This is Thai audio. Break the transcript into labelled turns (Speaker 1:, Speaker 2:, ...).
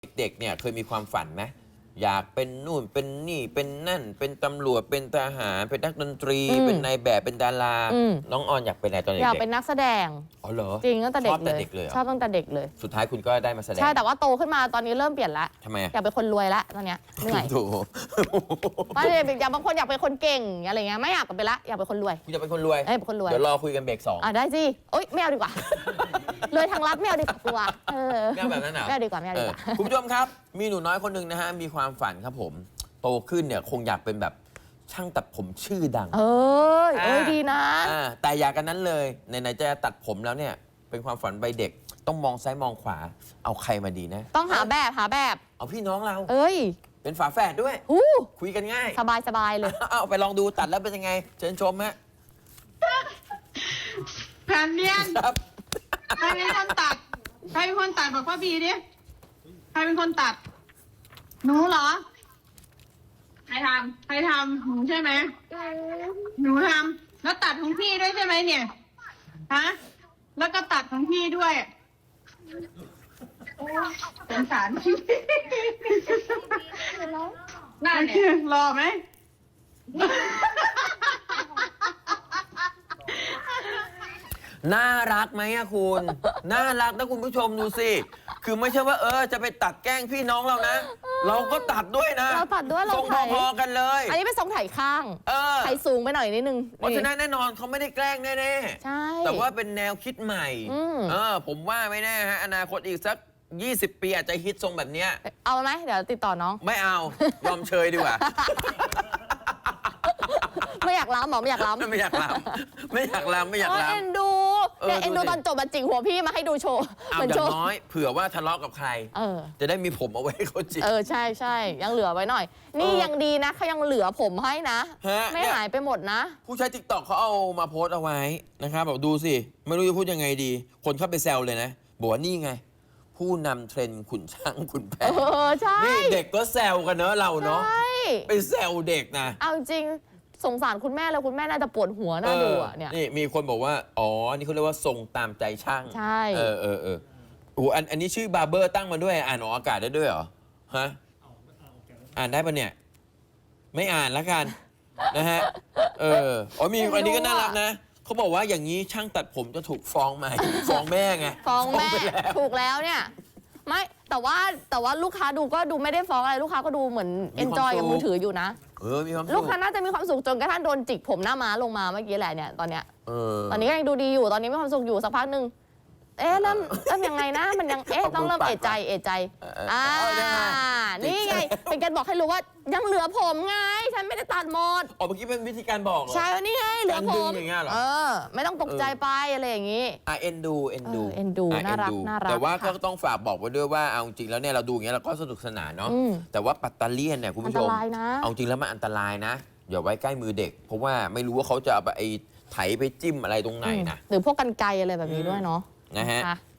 Speaker 1: เด็กๆเนี่ยเคยมีความฝันไหมอยากเป็นนู่นเป็นนี่เป็นนั่นเป็นตำรวจเป็นทหารเป็นนักดนตรีเป็นนายแบบเป็นดาราน้องออนอยากเป็นอะไรตอนเด็กๆ
Speaker 2: อยากเป็นนักแสดง
Speaker 1: อ๋อเหรอ
Speaker 2: จริงตั้งแต่เด็กเลยชอบตั้งแต่เด็กเลย
Speaker 1: สุดท้ายคุณก็ได้มาแสดง
Speaker 2: ใช่แต่ว่าโตขึ้นมาตอนนี้เริ่มเปลี่ยนละ
Speaker 1: ทำไม
Speaker 2: อยากเป็นคนรวยละตอนเนี้ยเหนื่อย
Speaker 1: ถูก
Speaker 2: ว่าอยากบางคนอยากเป็นคนเก่งอะไรเงี้ยไม่อยากเป็นละอยากเป็นคนรวย
Speaker 1: คุณจะเป็นคนรวย
Speaker 2: เป็นคนรวย
Speaker 1: เดี๋ยวรอคุยกันเบรก2
Speaker 2: ได้สิโอ๊ยไม่เอาดีกว่าเลยทางลัดไม่เอาดีกว่ากลัว
Speaker 1: ไม่เอาแบบนั้นเหรอ
Speaker 2: ไม่เอาดีกว่าไม่เอาดีกว่า
Speaker 1: คุณผู้ชมครับมีหนูน้อยคนหนึ่งนะฮะมีความฝันครับผมโตขึ้นเนี่ยคงอยากเป็นแบบช่างตัดผมชื่อดัง
Speaker 2: ดีนะ
Speaker 1: แต่อยากกันนั้นเลยไหนๆจะตัดผมแล้วเนี่ยเป็นความฝันใบเด็กต้องมองซ้ายมองขวาเอาใครมาดีนะ
Speaker 2: ต้องหาแบบ
Speaker 1: เอาพี่น้องเราเป็นฝาแฝดด้วยคุยกันง่าย
Speaker 2: สบายเลย
Speaker 1: เอาไปลองดูตัดแล้วเป็นยังไงเชิญชมฮะ
Speaker 3: แผ่นเนียนครับใครเป็นคนตัดบอกว่าบีดิใครเป็นคนตัดหนูเหรอใครทำหนูใช่ไหมหนูทำแล้วตัดของพี่ด้วยใช่ไหมเนี่ยฮะแล้วก็ตัดของพี่ด้วยสงสารพี่น่าเนี่ยรอไหม
Speaker 1: น่ารักไหมอะคุณน่ารักนะคุณผู้ชมดูสิคือไม่ใช่ว่าจะไปตัดแกล้งพี่น้องเรานะเราก็ตัดด้วยนะ
Speaker 2: เราตัดด้วยเรา
Speaker 1: ทรงพอๆกันเลย
Speaker 2: อันนี้เป็นทรงไถข้างไถสูงไปหน่อยนิดนึง
Speaker 1: เพราะฉะนั้นแน่นอนเขาไม่ได้แกล้งแน่
Speaker 2: ใช่
Speaker 1: แต่ว่าเป็นแนวคิดใหม่ผมว่าไม่แน่ฮะอนาคตอีกสัก20 ปีอาจจะฮิตทรงแบบนี้
Speaker 2: เอาไหมเดี๋ยวติดต่อน้อง
Speaker 1: ไม่เอายอมเชยดีกว่า
Speaker 2: ไม่อยากล้ำหรอไม่อยากล้ำ
Speaker 1: ไม่อยากล้ำ
Speaker 2: เอ็นดูเนี่ยเอ็นดูตอนจบมาจิกหัวพี่มาให้ดูโชว์
Speaker 1: เหมือนอย่างน้อยเผื่อว่าทะเลาะกับใครจะได้มีผมเอาไว้เขาจิก
Speaker 2: ใช่ยังเหลือไว้หน่อยนี่ยังดีนะเขายังเหลือผมให้นะไม่หายไปหมดนะ
Speaker 1: ผู้ใช้ TikTok เขาเอามาโพสต์เอาไว้นะครับแบบดูสิไม่รู้จะพูดยังไงดีคนเข้าไปแซวเลยนะบอกว่านี่ไงผู้นำเทรนด์ขุนช้างขุนแผน
Speaker 2: ใช่
Speaker 1: นี่เด็กก็แซวกันเนอะเราเนาะไปแซวเด็กนะ
Speaker 2: เอาจริงสงสารคุณแม่เลยคุณแม่น่าจะปวดหัวน่าดูเนี่ย
Speaker 1: นี่มีคนบอกว่าอ๋อนี่เขาเรียกว่าทรงตามใจช่าง
Speaker 2: ใช่
Speaker 1: อันนี้ชื่อบาร์เบอร์ตั้งมาด้วยอ่านออกอากาศได้ด้วยเหรอฮะอ่านได้ปะเนี่ยไม่อ่านแล้วกันนะฮะมีอันนี้ก็น่ารักนะเขาบอกว่าอย่างนี้ช่างตัดผมจะถูกฟ้องไหมฟ้องแม่ไง
Speaker 2: ฟ้องแม่ถูกแล้วเนี่ยไม่แต่ว่าลูกค้าดูก็ดูไม่ได้ฟ้องอะไรลูกค้าก็ดูเหมือนเอนจอยกับมือถืออยู่นะ
Speaker 1: มีความสุข
Speaker 2: ลูกค้าน่าจะมีความสุขจนกระทั่งโดนจิกผมหน้าม้าลงมาเมื่อกี้แหละเนี่ยตอนเนี้ยตอนนี้ก็ยังดูดีอยู่ตอนนี้มีความสุขอยู่สักพักหนึ่งเริ่มยังไงนะมันยังต้องเริ่มเอะใจนี่ไงเป็นการบอกให้รู้ว่ายังเหลือผมไงฉันไม่ได้ตัดหมด
Speaker 1: เมื่อกี้เป็นวิธีการบอกเหรอ
Speaker 2: ใช่นี่ไงเหลือผม
Speaker 1: อย่างเงี้ยเหรอ
Speaker 2: ไม่ต้องตกใจไปอะไรอย่างงี้
Speaker 1: เอ็นดู
Speaker 2: น่ารัก
Speaker 1: แต่ว่าก็ต้องฝากบอกไว้ด้วยว่าเอาจริงแล้วเนี่ยเราดูอย่างเงี้ยเราก็สนุกสนานเนาะแต่ว่าปัตตาเลียนเนี่ยคุณผู้ชมเอาจริงแล้วมันอันตรายนะอย่าไว้ใกล้มือเด็กเพราะว่าไม่รู้ว่าเขาจะเอาไปไถไปจิ้มอะไรตรงไหนนะ
Speaker 2: หรือพวกกรรไกรอะไรแบบนี้ด้วยเนาะ
Speaker 1: นะฮะ